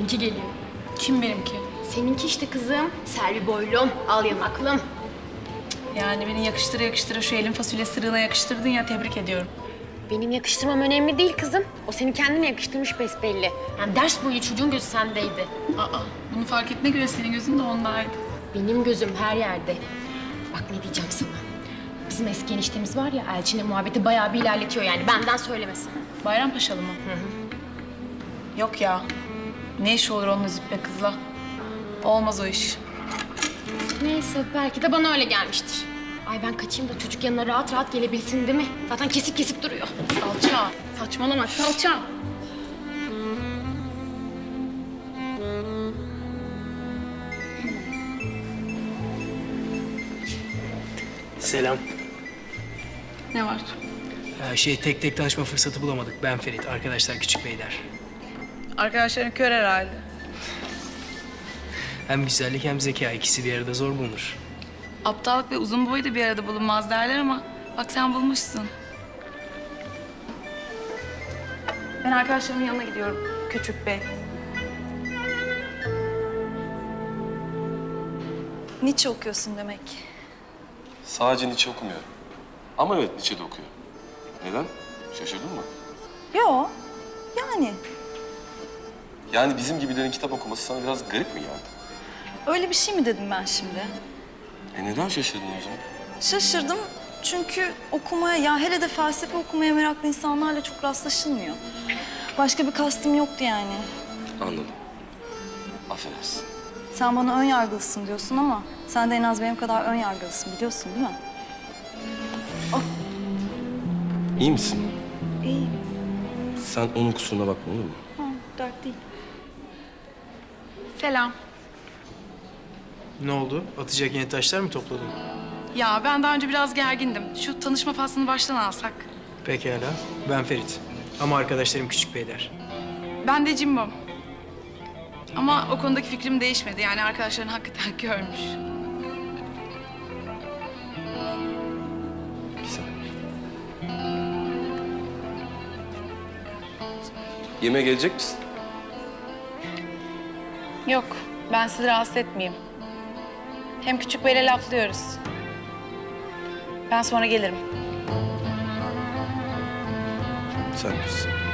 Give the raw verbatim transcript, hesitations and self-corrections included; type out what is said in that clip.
benimki geliyor. Kim benimki? Seninki işte kızım. Selvi boylum, al yanaklım. Yani beni yakıştıra yakıştıra şu elin fasulye sırığına yakıştırdın ya, tebrik ediyorum. Benim yakıştırmam önemli değil kızım. O seni kendine yakıştırmış besbelli. Yani ders boyu çocuğun gözü sendeydi. Aa, bunu fark ettiğine göre senin gözün de ondaydı. Benim gözüm her yerde. Bak ne diyeceğim sana. Bizim eski eniştemiz var ya, Elçin'le muhabbeti bayağı bir ilerletiyor yani. Benden söylemesin. Bayrampaşalı mı? Hı hı. Yok ya. Ne iş olur onunla züppe kızla? Olmaz o iş. Neyse, belki de bana öyle gelmiştir. Ay ben kaçayım da çocuk yanına rahat rahat gelebilsin değil mi? Zaten kesip kesip duruyor. Salça. Saçmalama salça. Selam. Ne var? Ee, şey tek tek tanışma fırsatı bulamadık. Ben Ferit, arkadaşlar Küçük Beyler. Arkadaşların kör herhalde. Hem güzellik hem zeka ikisi bir arada zor bulunur. Aptallık ve uzun boy da bir arada bulunmaz derler ama bak sen bulmuşsun. Ben arkadaşlarımın yanına gidiyorum. Küçük Bey. Nietzsche okuyorsun demek. Sadece Nietzsche okumuyorum. Ama evet Nietzsche de okuyor. Neden? Şaşırdın mı? Yo, yani Yani bizim gibilerin kitap okuması sana biraz garip mi geldi? öyle bir şey mi dedim ben şimdi? E neden şaşırdın o zaman? Şaşırdım çünkü okumaya, ya hele de felsefe okumaya meraklı insanlarla çok rastlaşılmıyor. Başka bir kastım yoktu yani. Anladım. Affedersin. Sen bana ön yargılısın diyorsun ama sen de en az benim kadar ön yargılısın biliyorsun değil mi? İyi misin? İyi. Sen onun kusuruna bakma olur mu? Ha, dert değil. Selam. Ne oldu? Atacak yeni taşlar mı topladın? Ya ben daha önce biraz gergindim. Şu tanışma faslını baştan alsak. Pekala. Ben Ferit. Ama arkadaşlarım Küçük Beyler. Ben de Cimbom. Ama o konudaki fikrim değişmedi. Yani arkadaşların hakikaten görmüş. Güzel. Yemeğe gelecek misin? Yok, ben sizi rahatsız etmeyeyim. Hem Küçük Bey'le laflıyoruz. Ben sonra gelirim. Sen bilirsin.